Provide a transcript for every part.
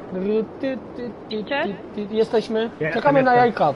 Jesteśmy. Czekamy na jajka.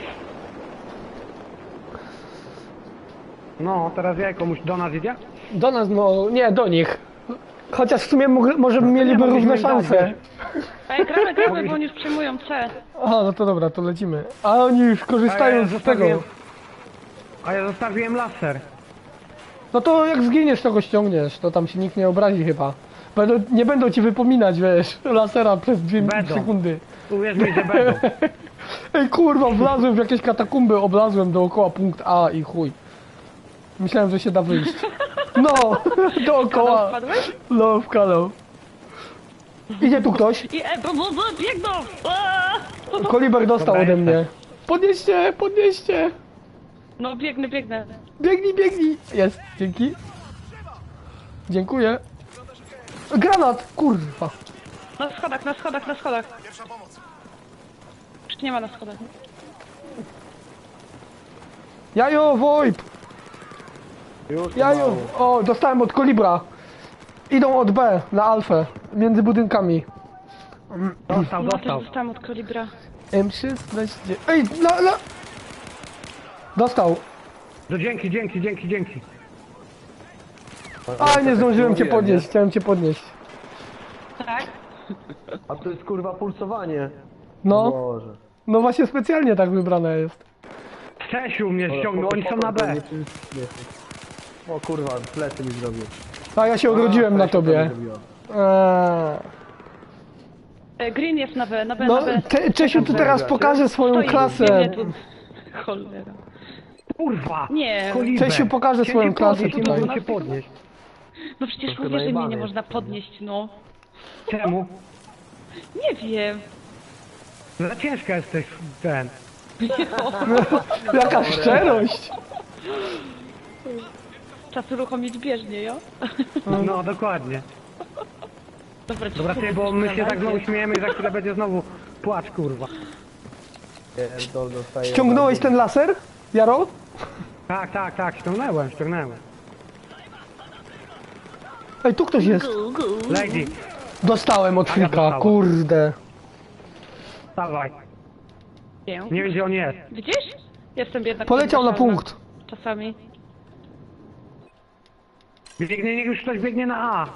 No, teraz jajko do nas idzie? Do nas, no nie, do nich. Chociaż w sumie może mieliby równe szanse. Ej, gramy, bo oni już przejmują C. Aha, no to dobra, to lecimy. A oni już korzystają z tego. A ja zostawiłem laser. No to jak zginiesz, to go ściągniesz. To tam się nikt nie obrazi chyba. Nie będą ci wypominać, wiesz, lasera przez 2 sekundy. Uwierz mi, że będą. Ej kurwa, wlazłem w jakieś katakumby, oblazłem dookoła punkt A i chuj. Myślałem, że się da wyjść. No, dookoła. Wpadłeś? No, w kanał. Idzie tu ktoś. I biegną! Aaa! Koliber dostał Dobra, ode jestem. mnie. Podnieście, podnieście. No biegnę. Biegnij, biegnij. Jest, dzięki. Dziękuję. Granat, kurwa. Na schodach. Już nie ma na schodach. Jajo, VoIP. Już Jajo. O, dostałem od Kolibra. Idą od B na alfę. Między budynkami. Dostał. No też dostałam od kalibra. M16. Ej, Dostał. No dzięki. A, nie zdążyłem cię podnieść. Chciałem cię podnieść. Tak? A to jest kurwa pulsowanie. No. Boże. No właśnie specjalnie tak wybrane jest. Czesiu mnie ściągnął, oni są na B. O kurwa, plecy mi zrobił. A ja się ogrodziłem na tobie. Green jest na B. No, Czesiu tu teraz pokaże swoją klasę. Cholera. Kurwa! Nie. Koliber. Czesiu pokaże swoją klasę Nie tutaj. mogą cię podnieść. No przecież Troszkę mówię, że mnie najebany nie jest. można podnieść, no. Czemu? Nie wiem. Za ciężka jesteś ten. Jaka szczerość. Czas uruchomić bieżnię, jo? No, dokładnie. Dobra, ty, bo my się tak znowu śmiejemy i za chwilę będzie znowu płacz, kurwa. To dostaje. Ściągnąłeś ten laser, Jaro? Tak, ściągnąłem. Ej, tu ktoś jest. Lady, Dostałem od Frika, dostałem. kurde. dawaj. Nie. Nie wiem, gdzie on jest. Widzisz? Jestem jednak... Poleciał na podniesiona. punkt. Czasami. Niech już ktoś biegnie na A.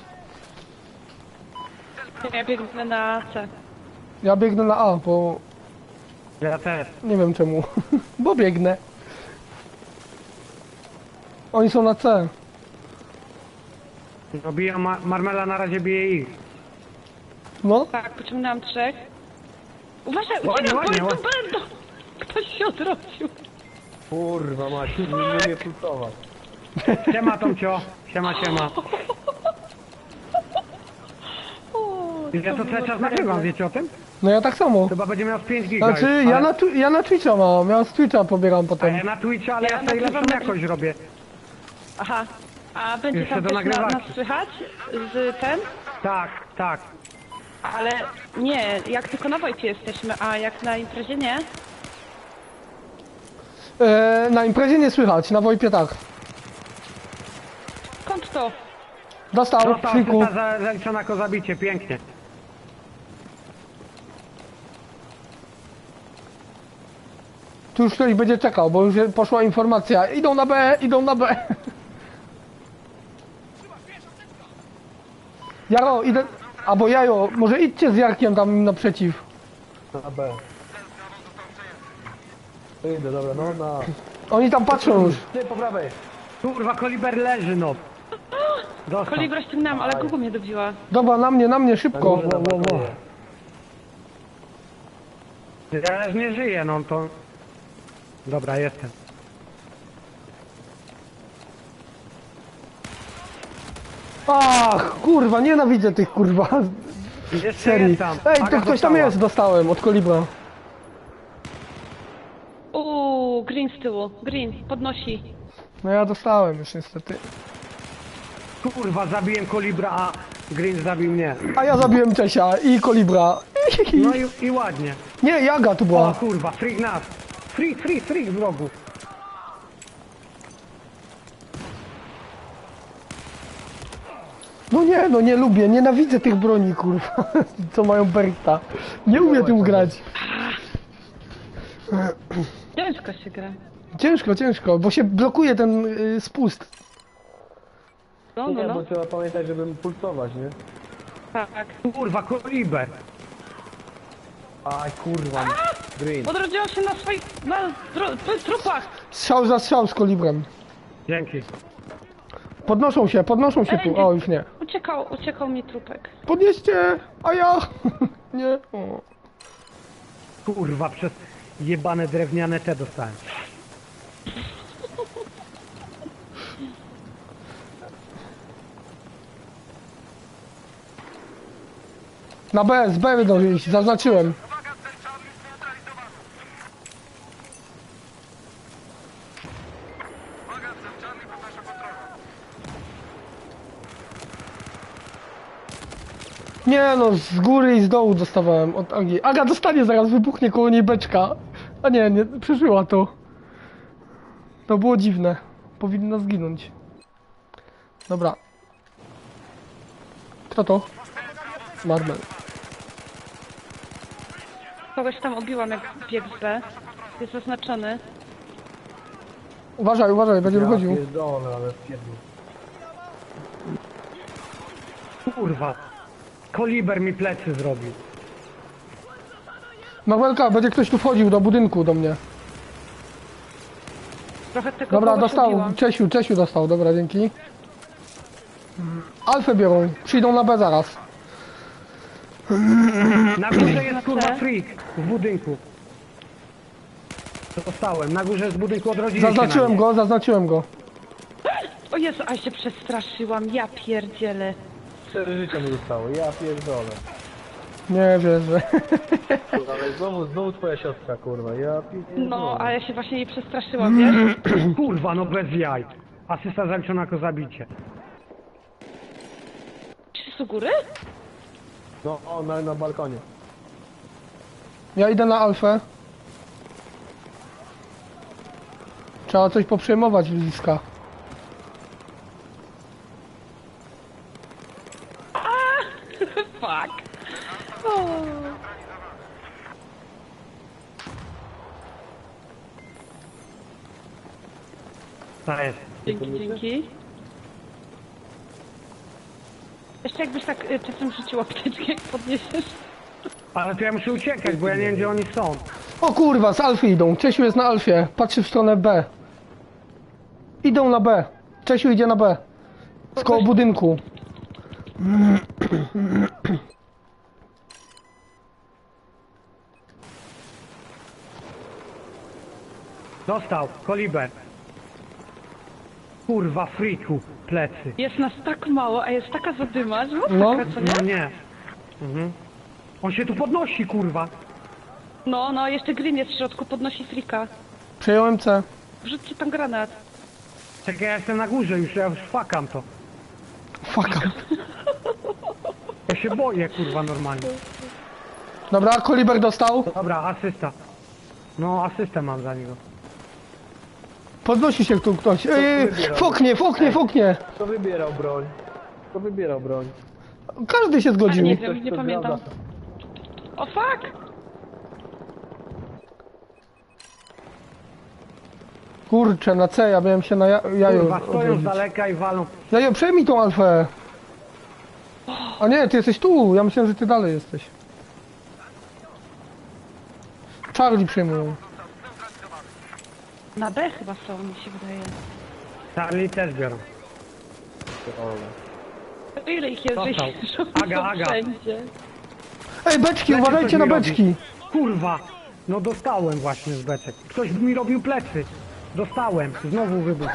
Ja biegnę na C. Ja biegnę na A, bo Ja też. nie wiem czemu. Bo biegnę. Oni są na C. No biją Marmela na razie bije ich. No. Tak, pociągnęłam 3. Uważaj, Ładnie, bo ładnie, tu ładnie. będą! Ktoś się odrodził. Kurwa mać, nie umie pulsować. Siema Tomcio. Siema. Ja to cały czas nagrywam, wiecie o tym? No ja tak samo. Chyba będzie miał z 5 giga. Znaczy, już, ja na Twitcha mam. Ja z Twitcha pobieram A potem. ja na Twitcha, ale ja Ja sobie lepszą nagrywam na- jakość robię. Aha. A będzie Jeszcze tam do też nagrywania. nas słychać? Z ten? Tak. Ale nie, jak tylko na Wojcie jesteśmy, a jak na imprezie nie? Na imprezie nie słychać, na Wojpie tak. Skąd to? Dostał, Została Friku. asysta zaliczona jako zabicie, pięknie. Tu już ktoś będzie czekał, bo już poszła informacja. Idą na B. Jaro, idę... Albo Jajo, może idźcie z Jarkiem tam naprzeciw. Na B. To idę, dobra, no na... Oni tam patrzą już. Ty po prawej. Kurwa, Koliber leży, no. Dostał. Kolibra ściągnęłam, ale Google mnie dobiła. Dobra, na mnie, szybko. Górze na balkonie. Ja już nie żyję, no to... Dobra, jestem. Ach, kurwa, nienawidzę tych kurwa Jeszcze serii. jest tam. Ej, Aga to ktoś tam dostała. jest, dostałem od Kolibra. Green z tyłu. Green, podnosi. No ja dostałem już niestety. Kurwa, zabiłem Kolibra, a Green zabił mnie. A ja zabiłem Czesia i Kolibra. No i ładnie. Nie, Jaga tu O była. kurwa, freak nas. Freak w rogu. No nie, no nie lubię, nienawidzę tych broni, kurwa, co mają Berta. Nie umiem tym grać. Ciężko się gra. Ciężko, ciężko, bo się blokuje ten spust. No, Nie, no, bo no. trzeba pamiętać, żeby pulsować, nie? Tak. Kurwa, koliber. Aj, kurwa. Green. Odrodziła się na swoich... trupach! Strzał za strzał z kolibrem. Dzięki. Podnoszą się Ej, tu. O, już nie. Uciekał mi trupek. Podnieście, a ja... Nie. O. Kurwa, przez jebane drewniane te dostałem. Na B, z B będą iść, zaznaczyłem. Nie no, z góry i z dołu dostawałem od Agi. Aga dostanie, zaraz wybuchnie koło niej beczka. A nie, nie, przeżyła to. To było dziwne. Powinna zginąć. Dobra. Kto to? Marmel. Kogoś tam obiłam jak biegł z B. Jest zaznaczony. Uważaj, uważaj, będzie wychodził. Ja pierdolę, ale pierdol. Kurwa. Koliber mi plecy zrobił. Marmelka, będzie ktoś tu wchodził do budynku do mnie. Trochę tego Dobra, kogoś dostał. obiłam. Czesiu dostał, dobra, dzięki. Alfę biorą, przyjdą na B zaraz. Na górze jest kurwa C? freak w budynku. Dostałem. Na górze z budynku odrodzili się Zaznaczyłem go. O Jezu, a się przestraszyłam. Ja pierdzielę. 4 życia mi zostało, ja pierdolę. Nie wierzę. Kurwa, ale znowu twoja siostra, kurwa, ja pierdolę. No, a ja się właśnie jej przestraszyłam, wiesz? Kurwa, no bez jaj. Asysta zaliczona jako zabicie. Czy jest u góry? No, o, na balkonie. Ja idę na Alfę. Trzeba coś poprzejmować bliska. Fuck. O. To jest. Dzięki. Jeszcze jakbyś tak czasem rzuciła apteczkę, jak podniesiesz. Ale to ja muszę uciekać, bo ja nie wiem gdzie oni są. O kurwa, z Alfy idą. Czesiu jest na Alfie. Patrzy w stronę B. Idą na B. Czesiu idzie na B. Z koło budynku. Dostał. Koliber. Kurwa, freaku. Plecy. Jest nas tak mało, a jest taka zadyma, że No. masakra, co No nie? nie. Mhm. On się tu podnosi, kurwa. No, jeszcze Green jest w środku, podnosi frika. Przejąłem C. Wrzućcie tam granat. Czekaj, ja jestem na górze już, ja już fakam to. Fuck. Ja się boję, kurwa, normalnie. Dobra, Koliber dostał. Dobra, asysta. No, asystę mam za niego. Podnosi się tu ktoś. Foknie. Kto wybierał broń? Kto wybierał broń? Każdy się A zgodził. nie Ktoś, wiem, nie kto pamiętam. zgadza. O fuck! Kurczę, na C, ja miałem się na jaju Kurwa, stoją z odrodzić. daleka i walą. Jajo, przejmij tą Alfę. A nie, ty jesteś tu. Ja myślałem, że ty dalej jesteś. Charlie przejmują. Na B chyba są, mi się wydaje. Charlie też biorą. Ile ich jest, że Dostał. ich są Aga. wszędzie. Ej, beczki, Lecie uważajcie coś na mi robi. beczki. Kurwa! No dostałem właśnie z beczek. Ktoś mi robił plecy. Dostałem. Znowu wybuch.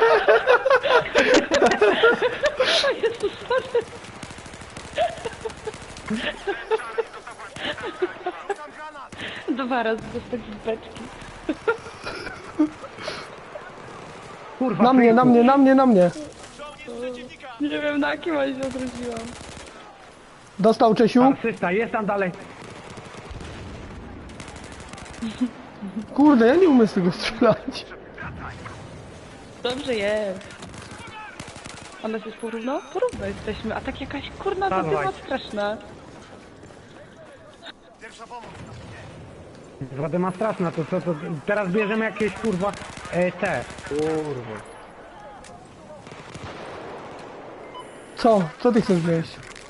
Dwa razy dostać z beczki. Kurwa, Na mnie, freaku. na mnie. Nie wiem na kim, ale się odrodziłam. Dostał Czesiu. Asysta, jest tam dalej. Kurde, ja nie umiem z tego strzelać. Dobrze jest. A nas jest porówno? Porówno jesteśmy, a tak jakaś kurna Dawaj. zadyma straszna. Wodę straszna, to co, to teraz bierzemy jakieś kurwa te. Kurwa. Co? Co ty chcesz wziąć?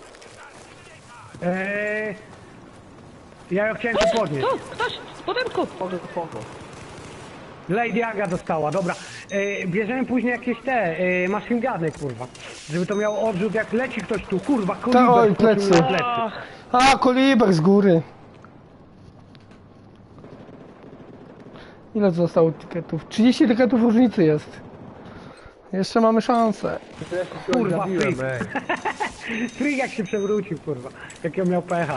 Ja ją chciałem to podnieść. Tu, ktoś, w budynku! Spoko. Lady Aga dostała, dobra. Bierzemy później jakieś te machine guny, kurwa. Żeby to miało odrzut, jak leci ktoś tu, kurwa, koliber oj, skoczył plecy. na plecy. Ach, A, koliber z góry. Ile zostało tiketów? 30 tiketów różnicy jest. Jeszcze mamy szansę. Kurwa, Zabiłem, freak. ej. Freak jak się przewrócił, kurwa. Jakiego miał pecha.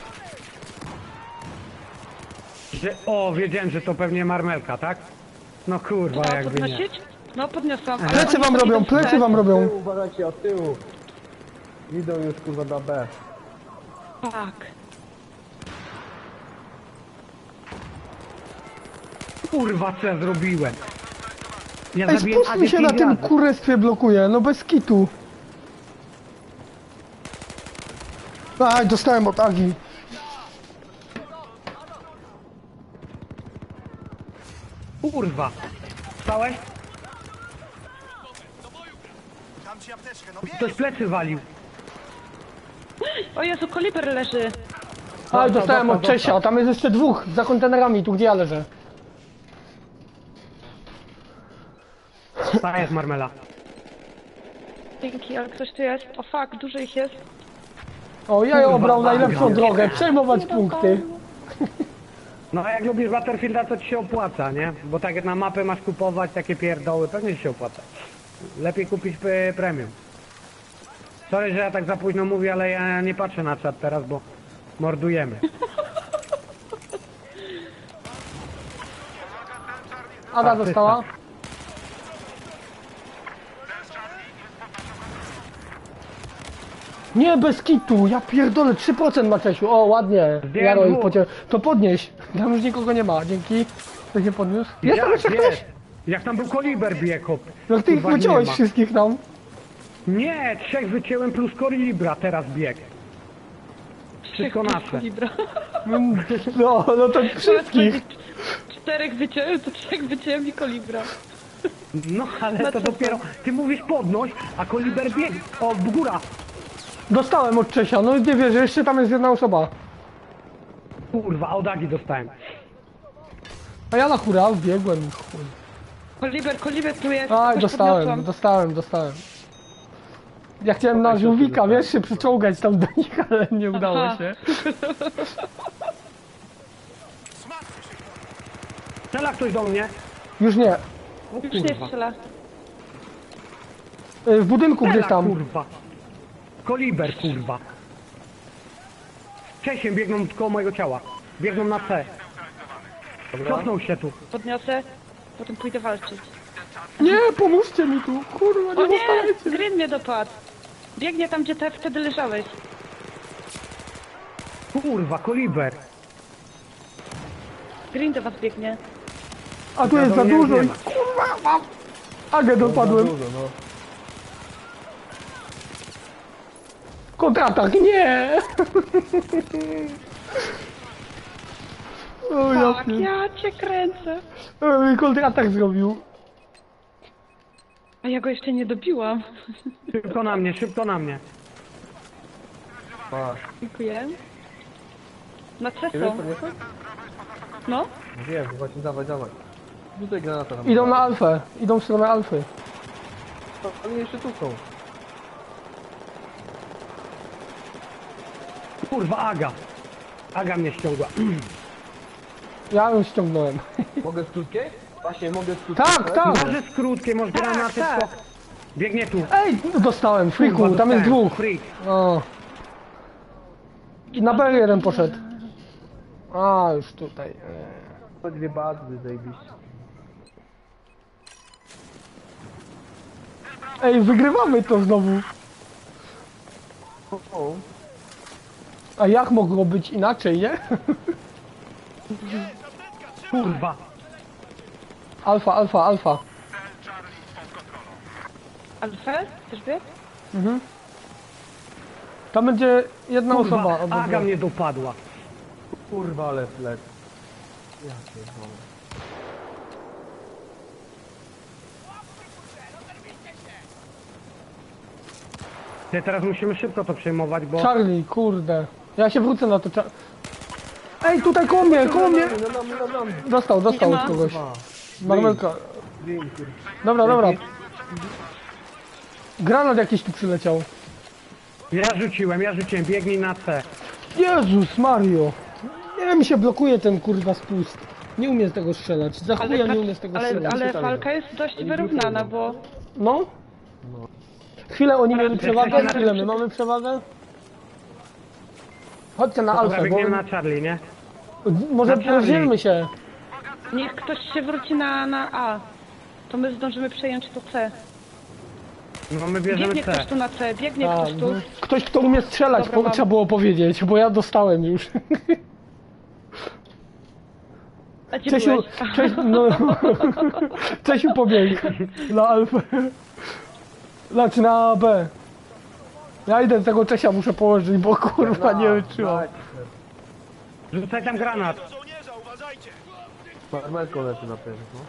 O, wiedziałem, że to pewnie marmelka, tak? No kurwa, trzeba jakby nie. podnosić? No podniosłam. ale Plecy oni wam to robią, idą plecy źle. wam Od robią. tyłu, uważajcie, od tyłu. Idą już kurwa na B. Tak. Kurwa, co ja zrobiłem? Ja Ej, zabiłem spuść mi się na 5 tym razy. kurestwie blokuje, no bez kitu. Aj, dostałem od Agi. Kurwa. Stałeś? Ktoś plecy walił. O Jezu, koliber leży. Aj, dostałem od dostał. Czesia, tam jest jeszcze dwóch za kontenerami, tu gdzie ja leżę. Ta jest marmela. Dzięki, ale ktoś tu jest. O fuck, dużo ich jest. O, ja Kurwa, obrał najlepszą Baga. drogę, przejmować punkty. No a jak lubisz Battlefielda, to ci się opłaca, nie? Bo tak jak na mapę masz kupować takie pierdoły, pewnie ci się opłaca. Lepiej kupić premium. Sorry, że ja tak za późno mówię, ale ja nie patrzę na czat teraz, bo mordujemy. Ada dostała. Nie, bez kitu, ja pierdolę, 3% ma Czesiu, o ładnie. Zdjąłem Jaro ich dwóch. To podnieś, tam już nikogo nie ma, dzięki. To się podniósł. Jest tam jeszcze ktoś? jest? Jak tam był koliber bieg, hop. Jak ty ich Kurwa, nie wyciąłeś ma. wszystkich tam. Nie, 3 wycięłem plus kolibra, teraz bieg. Wszystko nasze. Kolibra. No to wszystkich. 4 wyciąłem, to 3 wyciąłem i kolibra. No ale to dopiero, ty mówisz podnoś, a koliber bieg. O, w góra. Dostałem od Czesia, no nie wierzę, jeszcze tam jest jedna osoba. Kurwa, od Agi dostałem. A ja na hura wbiegłem. chuj. Koliber tu jest. Aj, Ktoś dostałem, podniosłam. dostałem. Ja chciałem na żółwika, wiesz, się przyczołgać tam do nich, ale nie udało Aha. się. Strzela ktoś do mnie. Już nie. O Już nie kurwa. strzela. W budynku gdzieś Strzela, tam. kurwa. Koliber, kurwa. Czesiem biegną koło mojego ciała. Biegną na C. Cofnął się tu. Podniosę, potem pójdę walczyć. Nie, pomóżcie mi tu, kurwa, O nie nie! zostawiajcie. Green mnie dopadł. Biegnie tam, gdzie wtedy leżałeś. Kurwa, koliber. Green do was biegnie. A tu jest za Wiadomo, dużo nie i ma. kurwa, mam. Agę dopadłem. Dużo, no. Kontratak, nie! O, ja Tak, pier- ja cię kręcę. kontratak zrobił. A ja go jeszcze nie dobiłam. Szybko na mnie, szybko na mnie. Masz. Dziękuję. Na C Nie wiesz, są. co nie chcesz? No? Wiem, właśnie dawaj. Rzucaj granata tam. Idą na alfę, idą w stronę alfy. Oni jeszcze tu są. Kurwa, Aga. Aga mnie ściągła. Ja ją ściągnąłem. Mogę z krótkiej? Właśnie, mogę z krótkiej. Tak, tak. Może z krótkie, może granaty, tak. to... Biegnie tu. Ej, dostałem, friku, Kurwa, tam jest dostałem. dwóch. Freak. O. Na B jeden poszedł. A, już tutaj. To dwie bazy, zajebiście. Ej, wygrywamy to znowu. O, A jak mogło być inaczej, nie? Kurwa. Alfa. Alfę? Chcesz biec? Tam będzie jedna osoba. Kurwa, albo Aga dwie. mnie dopadła. Kurwa, ale flet. Ja pierdolę. Ty, teraz musimy szybko to przejmować, bo... Charlie, kurde. Ja się wrócę na to. Ej, tutaj koło mnie, koło mnie! Dostał Nie ma. od kogoś. Kurwa. Marmelka. Green, kurwa. Dobra. Granat jakiś tu przyleciał. Ja rzuciłem, biegnij na C. Jezus Mario. Nie, mi się blokuje ten kurwa spust. Nie umiem z tego strzelać. Za chuja nie umiem z tego strzelać. ale walka jest dość wyrównana, bo No? Chwilę oni mieli przewagę, jesteście na chwilę my tym- mamy przewagę. Chodźcie na Dobra, alfę, biegniemy bo na Charlie, nie? może na Charlie. rozdzielmy się. niech ktoś się wróci na A. To my zdążymy przejąć to C. No my bierzemy Biegnie C. ktoś tu na C, biegnie A, ktoś tu. ktoś, kto umie strzelać, Dobra, mam. trzeba było powiedzieć, bo ja dostałem już. A gdzie Czesiu, byłeś? no, Czesiu pobiegł na alfę. Znaczy na B. Ja idę tego Czesia muszę położyć, bo kurwa nie wytrzymam. Rzucaj tam granat. Marmelko leży na pewno. No.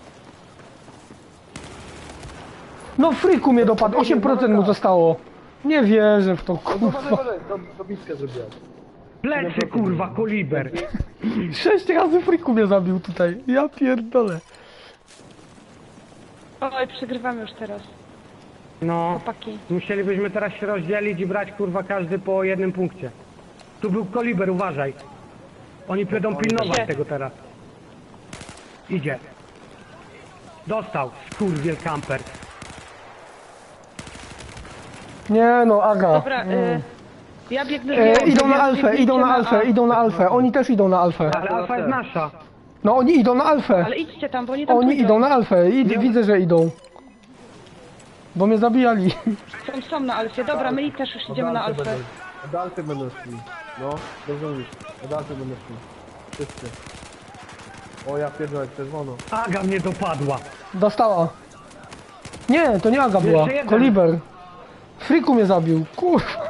No friku mnie dopadł, 8% mu zostało. Nie wierzę w to, kurwa. Dobitkę zrobiłem. Plecy, kurwa, koliber. 6 razy friku mnie zabił tutaj. Ja pierdolę. Oj, przegrywamy już teraz. No, Chłopaki. musielibyśmy teraz się rozdzielić i brać, kurwa, każdy po jednym punkcie. Tu był koliber, uważaj. Oni będą pilnować Gdzie? tego teraz. Idzie. Dostał, skurwiel kamper. Nie no, Aga. Dobra, ja biegnę z Idą na wy alfę, biegnijcie idą na A. alfę, idą na alfę. Oni też idą na alfę. Ale alfa jest nasza. No oni idą na alfę. Ale idźcie tam, bo oni tam Oni pójdą. idą na alfę. Widzę, że idą. Bo mnie zabijali. Są na alfie. Dobra, my i też już idziemy na alfę. Od alfy będą szli. No, dobrze mówisz. Od alfy będą szli. Wszyscy. O, ja pierdolę, czerwono. Aga mnie dopadła. Dostała. Nie, to nie Aga była. Jeszcze jeden. Koliber. Friku mnie zabił. Kurwa.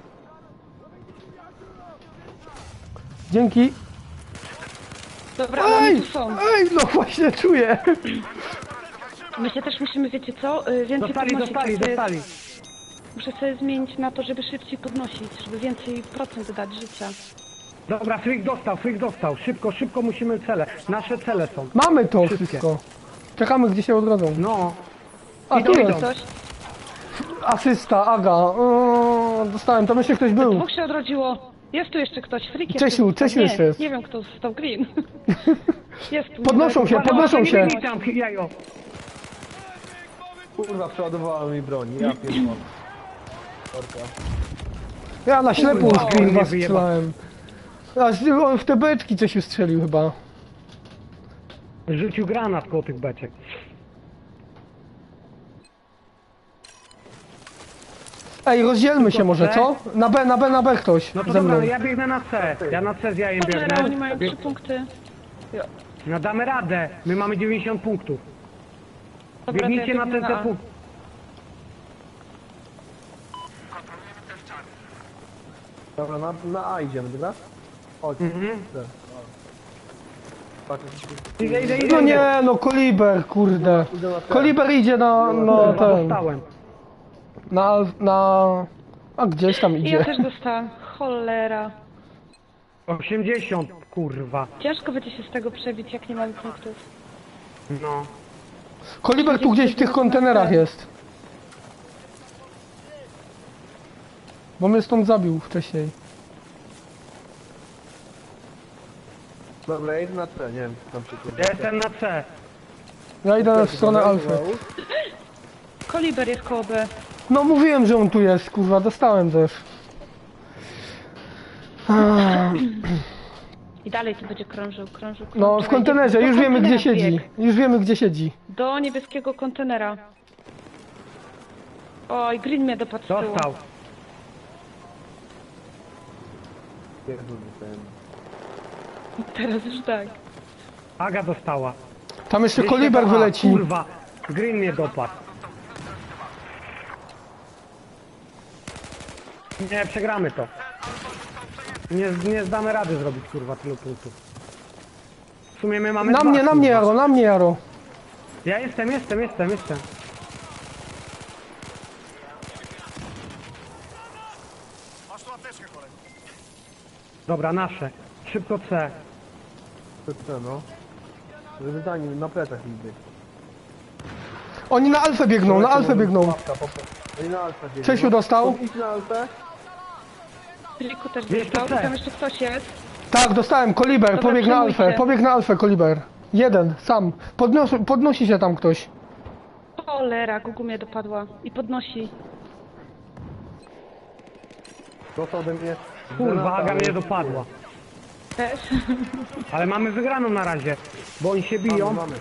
Dzięki. Dobra, ale oni Ej! tu są. Ej, no właśnie czuję. My się też musimy, wiecie co? Więcej Dostali, podnosić. dostali, jakby- dostali. Muszę sobie zmienić na to, żeby szybciej podnosić, żeby więcej procent dać życia. Dobra, Frick dostał. Szybko, szybko musimy cele. Nasze cele są. Mamy to Wszystkie. wszystko. Czekamy, gdzie się odrodzą. No. A tu idą. jest. Ktoś? Asysta, Aga. Dostałem, to myślę ktoś był. Dwóch się odrodziło. Jest tu jeszcze ktoś. Freak jest Czesiu, tu. Czesiu Nie, jeszcze jest. Nie wiem, kto został green. Jest tu. Podnoszą się, Uwaga, podnoszą uwaga, się. nie Nie wiem, tam, jajo. Kurwa, przeładowała mi broń. Ja pierdolę. Orka. Ja na ślepo Kurwa, z green on mnie was strzelałem. On w te beczki coś strzelił chyba. Rzucił granat koło tych beczek. Ej, rozdzielmy się może, co? Na B ktoś No to ze dobra, mną. no ja biegnę na C. Ja na C z jajem Cholera, oni mają biegnę. 3 punkty. No damy radę. My mamy 90 punktów. Dobra, to ja Biegnijcie na biegnę ten A. punkt. Dobra, na A idziemy, dobra? Chodź. Idę. Patrz, Idę. No nie, no Koliber, kurde. Koliber idzie na Kurwa, ten, dostałem. na... A gdzieś tam I ja idzie. też dostałam. Cholera. 80, kurwa. Ciężko będzie się z tego przebić, jak nie mamy punktów. No. Koliber tu gdzieś w tych kontenerach jest. Bo mnie stąd zabił wcześniej. Dobra, ja idę na C, nie wiem, co tam się kurwa. Ja jestem na C. Ja idę w stronę Alfy. Koliber jest koło B. No mówiłem, że on tu jest, kurwa, dostałem też. I dalej tu będzie krążył. No w kontenerze, Do już wiemy gdzie kontenera siedzi. bieg. Już wiemy gdzie siedzi. Do niebieskiego kontenera. Oj, green mnie dopadł z tyłu. Dostał. Pierdolę ten. Teraz już tak. Aga dostała. Tam jeszcze Jeszcze Koliber to A, wyleci. Kurwa. Green mnie dopadł. Nie, przegramy to. Nie zdamy rady zrobić, kurwa, tylu punktów. W sumie my mamy Na dwa, mnie, kurwa. Jaro, na mnie, Jaro. Ja jestem. Dobra, nasze. Szybko C. To co, no? Żeby za nim na plecach ich być. Oni na alfę biegną, na alfę biegną. Łapka, Oni na alfę biegną. Czesiu dostał? Idź na alfę. Filiku też Jeszcze dostał. C. Tam jeszcze ktoś jest. Tak, dostałem, Koliber, Dobra, pobiegł na przejmujcie. alfę, pobiegł na alfę, Koliber. Jeden, sam. Podnosi się tam ktoś. Cholera, Gugu mnie dopadła. I podnosi. Dostał ode mnie. Kurwa, granata, Aga ale- mnie dopadła. Też. Ale mamy wygraną na razie, bo oni się biją. Mamy.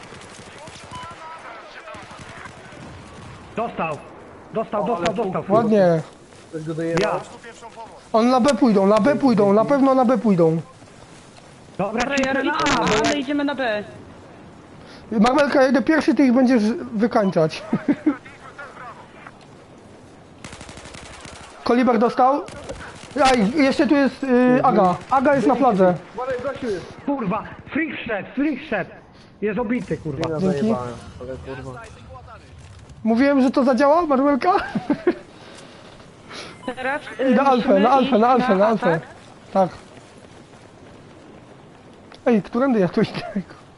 Dostał. Ładnie. Ktoś go doje. Ja. On na B pójdą, na pewno na B pójdą. Dobra, Dobra, cisnę Jaro, na idź A, na bo A, ja... ale idziemy na B. Marmelka, jedę pierwszy, ty ich będziesz wykańczać. Koliber dostał. Aj, jeszcze tu jest Aga. Aga jest na fladze. Uważaj, gościu jest. Kurwa, freak szedł. Jest obity, kurwa. Ja Dzięki. zajebałem. Ale kurwa. Mówiłem, że to zadziała, Marmelka? Teraz I na alfę, musimy na alfę, iść na alfę, na alfę. atak. Tak. Ej, którędy ja tu idę?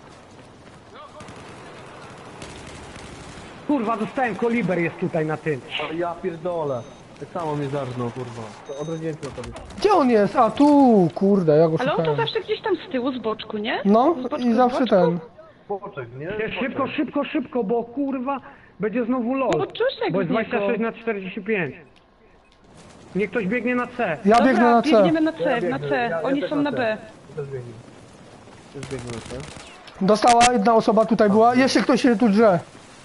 Kurwa, dostałem, Koliber jest tutaj na tym. Ale ja pierdolę. Tak samo mnie zarżnął, kurwa. To odrodziłem się od tobie. Gdzie on jest? A tu, kurde, ja go Ale on to szukałem. zawsze gdzieś tam z tyłu, z boczku, nie? No, Z boczku, i z zawsze boczku. ten. Poczek, nie? Szybko, bo kurwa, będzie znowu LOL. No, Czosiek Bo jest z niego. 26 na 45. Niech ktoś biegnie na C. Ja Dobra, biegnę na C. biegniemy na C, Ja na biegnę, C. ja Oni też są na na C. B. Też biegnę. Też biegnę na C. Dostała, jedna osoba tutaj była. Jeszcze ktoś się tu drze.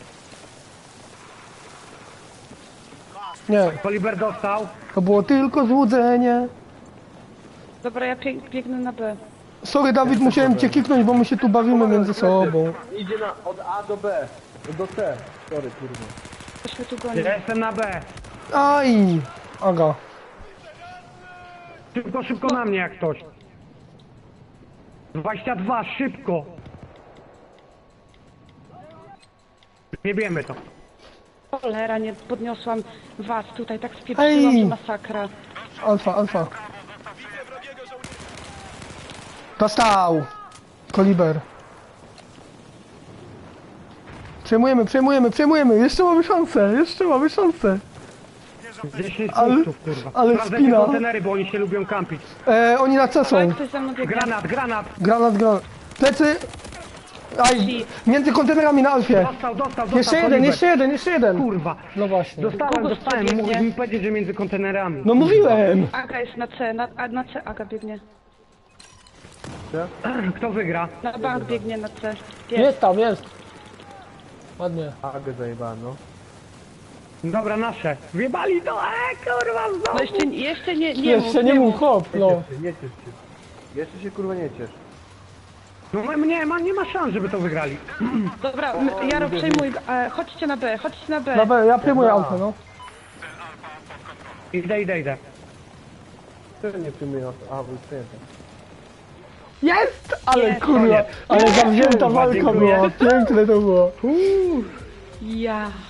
Nie, Koliber dostał. to było tylko złudzenie. Dobra, ja biegnę na B. Sorry Dawid, musiałem cię kiknąć, bo my się tu bawimy między sobą. Idzie od A do B. Do C. Sorry, kurwa. Ktoś mnie tu goni. Ja jestem na B. Aj! Aga. Szybko na mnie jak ktoś. 22, szybko. Nie wiemy to. Cholera, nie podniosłam was tutaj, tak spieprzyłam, Ej! że masakra. Alfa, alfa. Dostał! Koliber. Przejmujemy. Jeszcze mamy szansę. 10 Ale- punktów, kurwa. ale Sprawdzę te spina. kontenery, bo oni się lubią kampić. Oni na C są. Ale ktoś za mną biegnie. Granat. Granat. Plecy. Aj, między kontenerami na Alfie. Dostał. Jeszcze jeden. Kurwa. No właśnie. Dostałem. biegnie. Mógłbyś mi powiedzieć, że między kontenerami. No mówiłem. Aga jest na C, na C Aga biegnie. Kto wygra? Na bank biegnie na C. Jest tam, jest. Ładnie. Agę zajebałem, no. Dobra, nasze. Wjebali to, kurwa, No znowu. jeszcze nie Jeszcze nie mów, hop, no. Nie ciesz się. Jeszcze się kurwa nie ciesz. No nie ma szans, żeby to wygrali. Dobra, Jaro przejmuj, chodźcie na B. Dobra, ja przyjmuję Alfę, no. Idę. Wtedy nie przyjmuję na A, bo już przyjęte. Jest! Ale Jest, kurwa, koniec. ale zawzięta Kurwa, walka dziękuję. była, piękne to było. Ja.